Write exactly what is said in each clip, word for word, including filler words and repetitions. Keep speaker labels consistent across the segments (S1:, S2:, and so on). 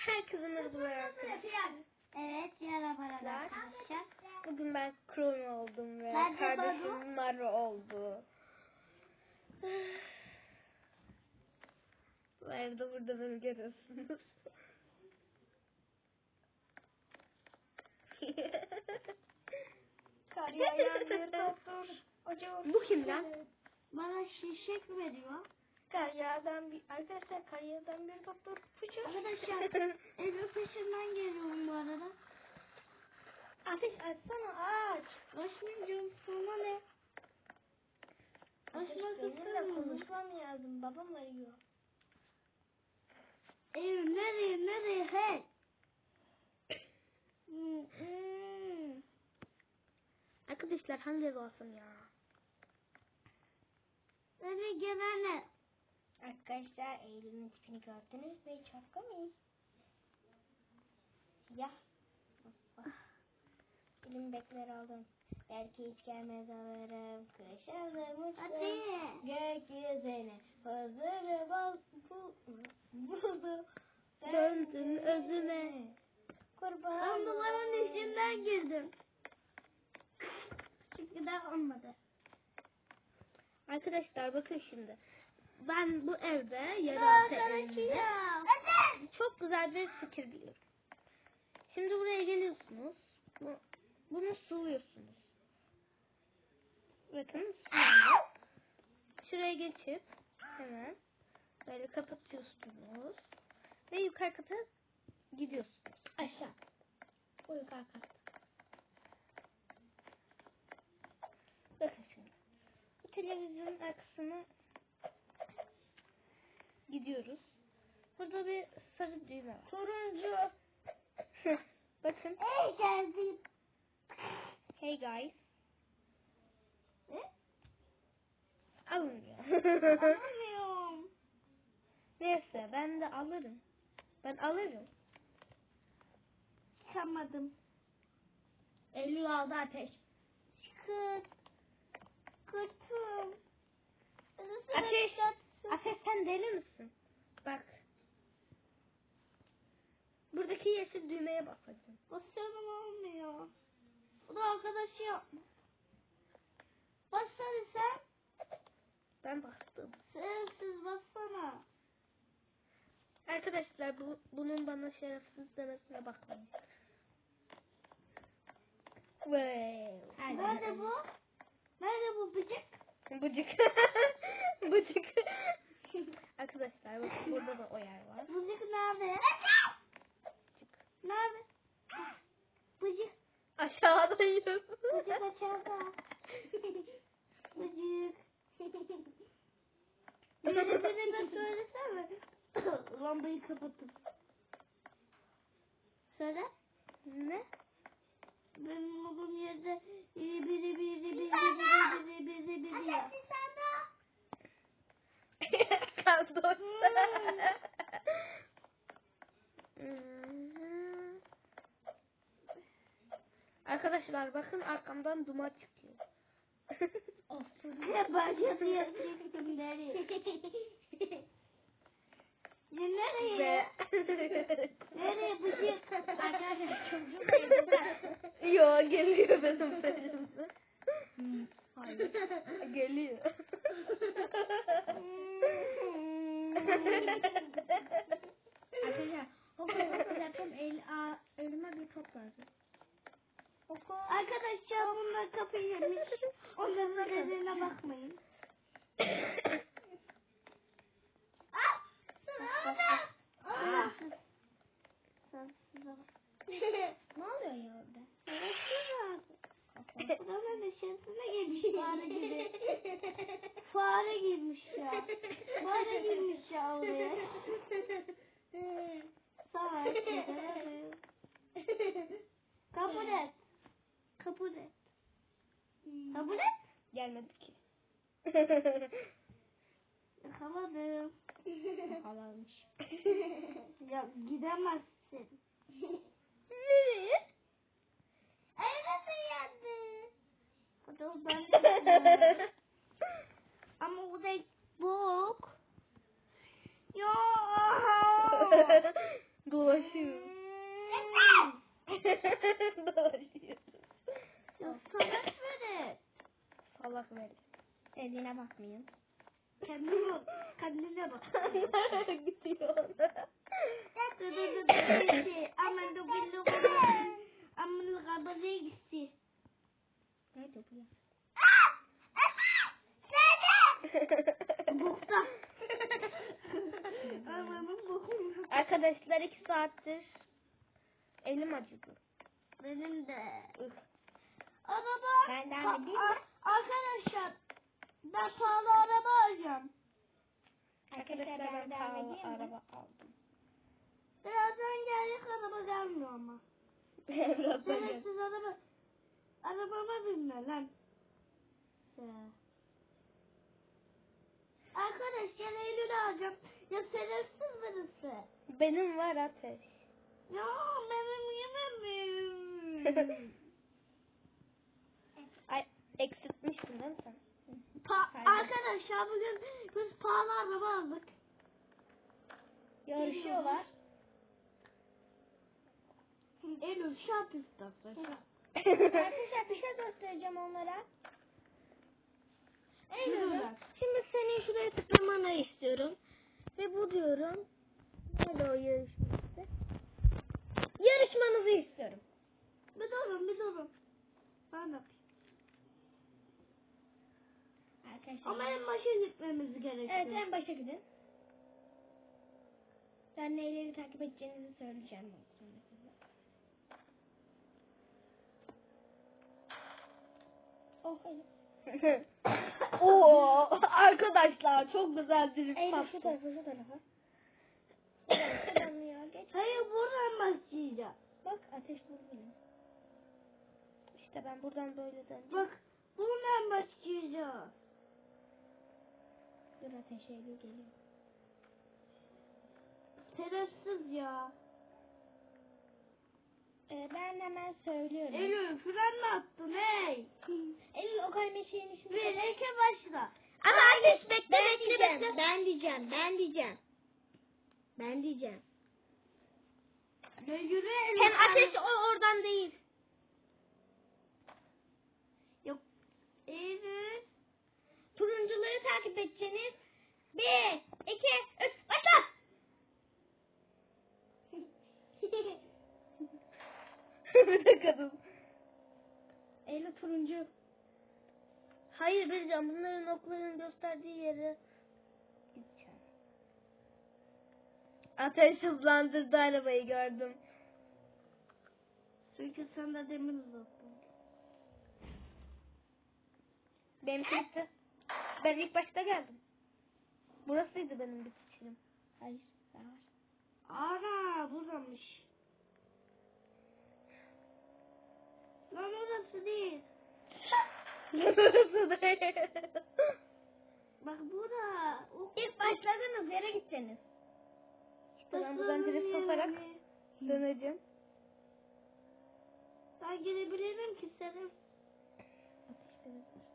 S1: Herkese merhaba arkadaşlar.
S2: Evet, merhaba arkadaşlar.
S1: Bugün ben Kron oldum ve
S2: Ben de
S1: kardeşim Maro oldu. Bu arada burada beni görüyorsunuz.
S2: Kar yağan bir doktor. Acıyor.
S1: Bu kim lan?
S2: Bana şişek veriyor.
S1: Kar yağdan bir arkadaşlar kar yağdan bir doktor fıçır.
S2: Arkadaşlar evin peşinden geliyorum bu arada.
S1: Ateş açsana aç.
S2: Açmayacağım, sana ne? Açmak
S1: Benimle
S2: istemiyorum.
S1: konuşmam lazım. Babam arıyor.
S2: Evim nereye nereye hey? Hmm, hmm.
S1: Arkadaşlar hangi ev olsun ya?
S2: Nereye gelene?
S1: Arkadaşlar Eylül'ün tipini gördünüz mü? Çok komik. Ya. Elim bekler aldım. Belki hiç gelmez alırım. Kış alırmışım.
S2: Hadi.
S1: Gökyüzüne hazır bal buldu. Döndün özüme. Kurban.
S2: Ben duvarın içinden girdim. Çünkü daha olmadı.
S1: Arkadaşlar bakın şimdi. Ben bu evde yeraltı evinde çok güzel bir fikir biliyorum. Şimdi buraya geliyorsunuz. Bu, bunu suluyorsunuz. Bakın suluyor. Şuraya geçip hemen böyle kapatıyorsunuz. Ve yukarı kata gidiyorsunuz. Aşağı. O yukarı kata. Bakın şimdi. Bu televizyonun arkasına gidiyoruz. Burada bir sarı düğme var.
S2: Turuncu.
S1: Bakın.
S2: Hey geldim.
S1: Hey guys.
S2: Ne?
S1: Alınmıyor.
S2: Anlamıyorum.
S1: Neyse ben de alırım. Ben alırım.
S2: Çıkamadım.
S1: Eylül aldı ateş.
S2: Çıkır. Kırtım.
S1: Ateş. Ateş sen deli misin? Bak. Buradaki yeşil düğmeye basacağım.
S2: Basıyorum olmuyor. Bu da arkadaşı yapma. Bassana sen.
S1: Ben bastım.
S2: Şerefsiz bassana.
S1: Arkadaşlar bu, bunun bana şerefsiz demesine bakmayın. Wow.
S2: Nerede bu? Nerede bu bıcık?
S1: Bıcık. Bıcık. Arkadaşlar bakın burada da o yer var.
S2: Bıcık nerede?
S1: Bıcık.
S2: Nerede? Bıcık.
S1: Aşağıdayım.
S2: Bıcık aşağıda. Bıcık. Beni beni söylesene. Lambayı kapatıp. Söyle.
S1: Ne?
S2: Benim olduğum yerde biri biri biri biri biri biri biri biri ya.
S1: Kaldı. Arkadaşlar bakın arkamdan duman çıkıyor.
S2: Ne başladı yapacaksın nereye? Ya nereye? Nereye bıcık? Arkadaşlar çocuğum evde.
S1: Yo geliyor benim peşimde. Hayır. Geliyor.
S2: Arkadaşlar okul yapacağım el, a, elime bir top lazım. Arkadaşlar bunlar kapıyı yemiş. Onların dediğine bakmayın. Ah! Ah!
S1: Ne oluyor ya orada?
S2: Buranın dışarısına girmiş fare gibi. Fare girmiş ya. Fare girmiş ya oraya. Sağ ol. Kabul et. Kabul et. Kabul et.
S1: Gelmedi ki.
S2: Yakaladım.
S1: Halalmış.
S2: Ya gidemezsin.
S1: Nereye?
S2: Evde yendi. Dur ben ama o da bok. Ya.
S1: Dur Dolaşıyoruz. Dolaşıyoruz.
S2: Ya salak verin.
S1: Salak ver. Eline bakmayın.
S2: Kendine bak. Kendine bak.
S1: Gidiyor.
S2: Dı dı dı dı. Aman da gülü gülü. Aman da kabadaya gitti.
S1: Nerede bu ya?
S2: Bukta. Amanın bukunu.
S1: Arkadaşlar iki saattir elim acıdı.
S2: Benim de.
S1: Üf.
S2: Araba.
S1: Benden
S2: Pa-
S1: de değil
S2: a-
S1: mi?
S2: Arkadaşlar. Ben pahalı araba alacağım.
S1: Arkadaşlar ben pahalı araba aldım.
S2: Birazdan gelecek araba gelmiyor ama.
S1: Birazdan gel.
S2: Şerefsiz araba. Arabama binme lan. Ya. Arkadaşlar Eylül alacağım. Ya şerefsiz birisi.
S1: Benim var Ateş.
S2: Ya benim yemem.
S1: Ay eksiltmiştin değil mi sen?
S2: Pa-
S1: Pardon.
S2: arkadaşlar bugün biz pahalı araba aldık.
S1: Yarışıyorlar.
S2: Eylül şap istersen.
S1: Arkadaşlar bir şey göstereceğim onlara. Eylül, şimdi senin şuraya tıklamanı istiyorum. Ve bu diyorum. Nerede o yarışması? Yarışmanızı istiyorum.
S2: Bir durun bir durun. Ben yapayım.
S1: Arkadaşlar.
S2: Ama en başa gitmemiz gerekiyor.
S1: Evet, en başa gidin. Ben neyleri takip edeceğinizi söyleyeceğim sonra size. Oh, evet. Oo, arkadaşlar çok güzel bir
S2: Eylül,
S1: şu tarafa şu tarafa. Tamam ya, geç.
S2: Hayır buradan başlayacağım.
S1: Bak ateş vur benim. İşte ben buradan böyle döneceğim.
S2: Bak buradan başlayacağım.
S1: Dur ateş Eylül geliyor.
S2: Şerefsiz ya.
S1: Ee, ben hemen söylüyorum.
S2: Eylül fren mi attın hey?
S1: Eylül o kaleme şeyin içinde.
S2: Bir iki başla.
S1: Ama ateş bekle
S2: Ben
S1: bekle
S2: diyeceğim,
S1: bekle.
S2: ben diyeceğim, ben diyeceğim. Ben diyeceğim. Ne yürü Eylül.
S1: Hem ateş o oradan değil.
S2: Yok. Eylül.
S1: Turuncuları takip edeceğiniz. Bir, iki, üç, başla. Bir de kadın. Eylül turuncu. Hayır Bircan, bunların okların gösterdiği yere gideceğim. Ateş hızlandırdı arabayı, gördüm.
S2: Çünkü sen de demir uzattın.
S1: Benim çıktı. Ben ilk başta geldim. Burasıydı benim bitişim. Hayır, daha var.
S2: Ana buramış. Lan orası değil.
S1: Burası değil.
S2: Bak bura. O-
S1: İlk başladığınız yere gideceksiniz. İşte ben buradan
S2: Başladığım
S1: direkt
S2: yer
S1: sokarak
S2: mi?
S1: döneceğim.
S2: Ben girebilirim ki senin.
S1: Ateşte de dur.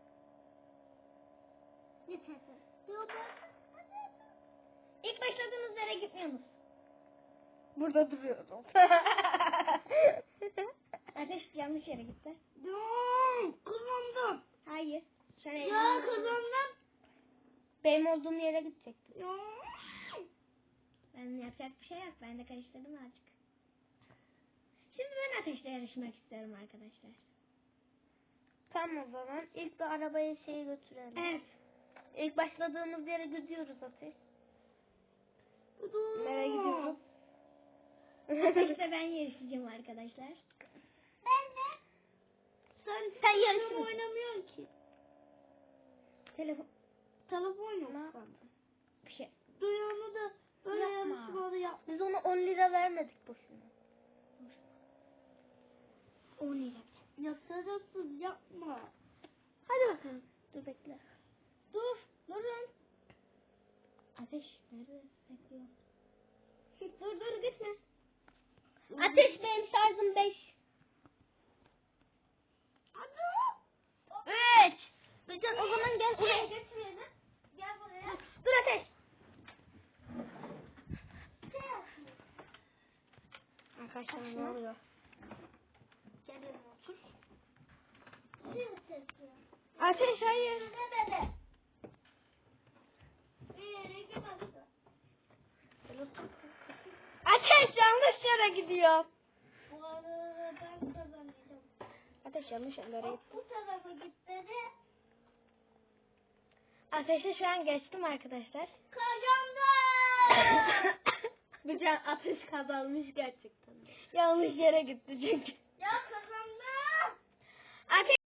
S2: Yeter. Yok
S1: İlk başladığınız yere gitmiyorsunuz. Burada duruyorum. Ateş yanlış yere gitti.
S2: Yok kazandım.
S1: Hayır. Sen
S2: Ya
S1: elini-
S2: kazandım.
S1: Benim olduğum yere gidecektin.
S2: Ya.
S1: Ben yapacak bir şey yok. Ben de karıştırdım azıcık. Şimdi ben ateşle yarışmak istiyorum arkadaşlar. Tamam o zaman. İlk bir arabaya şeyi götürelim. Evet. İlk başladığımız yere gidiyoruz Ateş.
S2: Dur.
S1: Nereye gidiyoruz? Ateşle ben yarışacağım arkadaşlar.
S2: Ben de. Sen,
S1: Sen
S2: telefon
S1: yarışırsın.
S2: oynamıyorsun ki.
S1: Telefon.
S2: Telefon yok
S1: Ne?
S2: sende.
S1: Bir şey.
S2: Duyumu da böyle
S1: Yapma.
S2: yarışmalı yap.
S1: Biz ona on lira vermedik boşuna. on lira.
S2: Ya sarısız yapma.
S1: Hadi bakalım. Dur bekle. Dur. Durun. Ateş nerede? Bekliyor. Dur dur gitme. Ateş benim şarjım beş.
S2: Hadi.
S1: Üç. Bircan o zaman gel buraya götürelim.
S2: Gel buraya.
S1: Dur Ateş.
S2: Şey yapayım.
S1: Arkadaşlar ne oluyor?
S2: Gel yanıma otur.
S1: Ateş hayır. Ateş yanlış yere gidiyor.
S2: Bu arada ben kazanacağım.
S1: Ateş yanlış yerlere gitti.
S2: Bu tarafa gitmedi.
S1: Ateşi şu an geçtim arkadaşlar.
S2: Kazandım.
S1: Bir can ateş kazanmış gerçekten. Yanlış yere gitti çünkü.
S2: Ya kazandım.
S1: Ateş